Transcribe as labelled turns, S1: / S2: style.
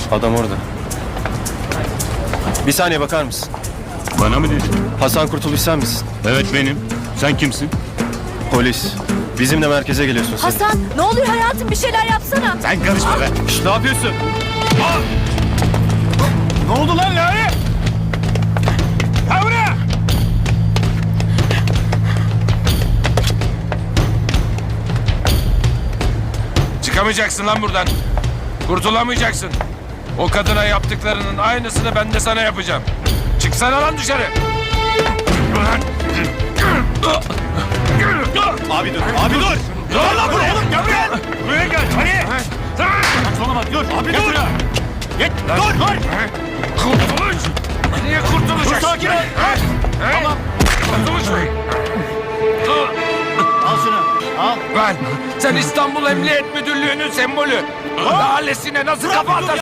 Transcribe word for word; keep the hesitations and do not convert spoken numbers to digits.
S1: Adam orada. Bir saniye bakar mısın?
S2: Bana mı dedin?
S1: Hasan Kurtuluş sen misin?
S2: Evet benim. Sen kimsin?
S1: Polis. Bizimle merkeze geliyorsun sen.
S3: Hasan ne oluyor hayatım, bir şeyler yapsana.
S2: Sen karışma be.
S1: Şşt, ne yapıyorsun?
S2: Ne oldu lan Lale? Ha buraya!
S4: Çıkamayacaksın lan buradan. Kurtulamayacaksın. O kadına yaptıklarının aynısını ben de sana yapacağım. Çıksana lan dışarı.
S1: Abi dur, abi dur!
S4: Dur lan buraya. Oğlum gel buraya.
S2: Buraya gel. Hadi. Saçmalama dur. Abi dur. Git. Dur. Dur.
S4: Kurtuluş. Niye kurtulacaksın?
S2: Dur, sakin ol.
S4: Tamam. Kurtuluş Bey.
S2: Al şunu. Al.
S4: Ben, sen İstanbul Emniyet Müdürlüğü'nün sembolü. Ailesine nasıl kafa atarsın?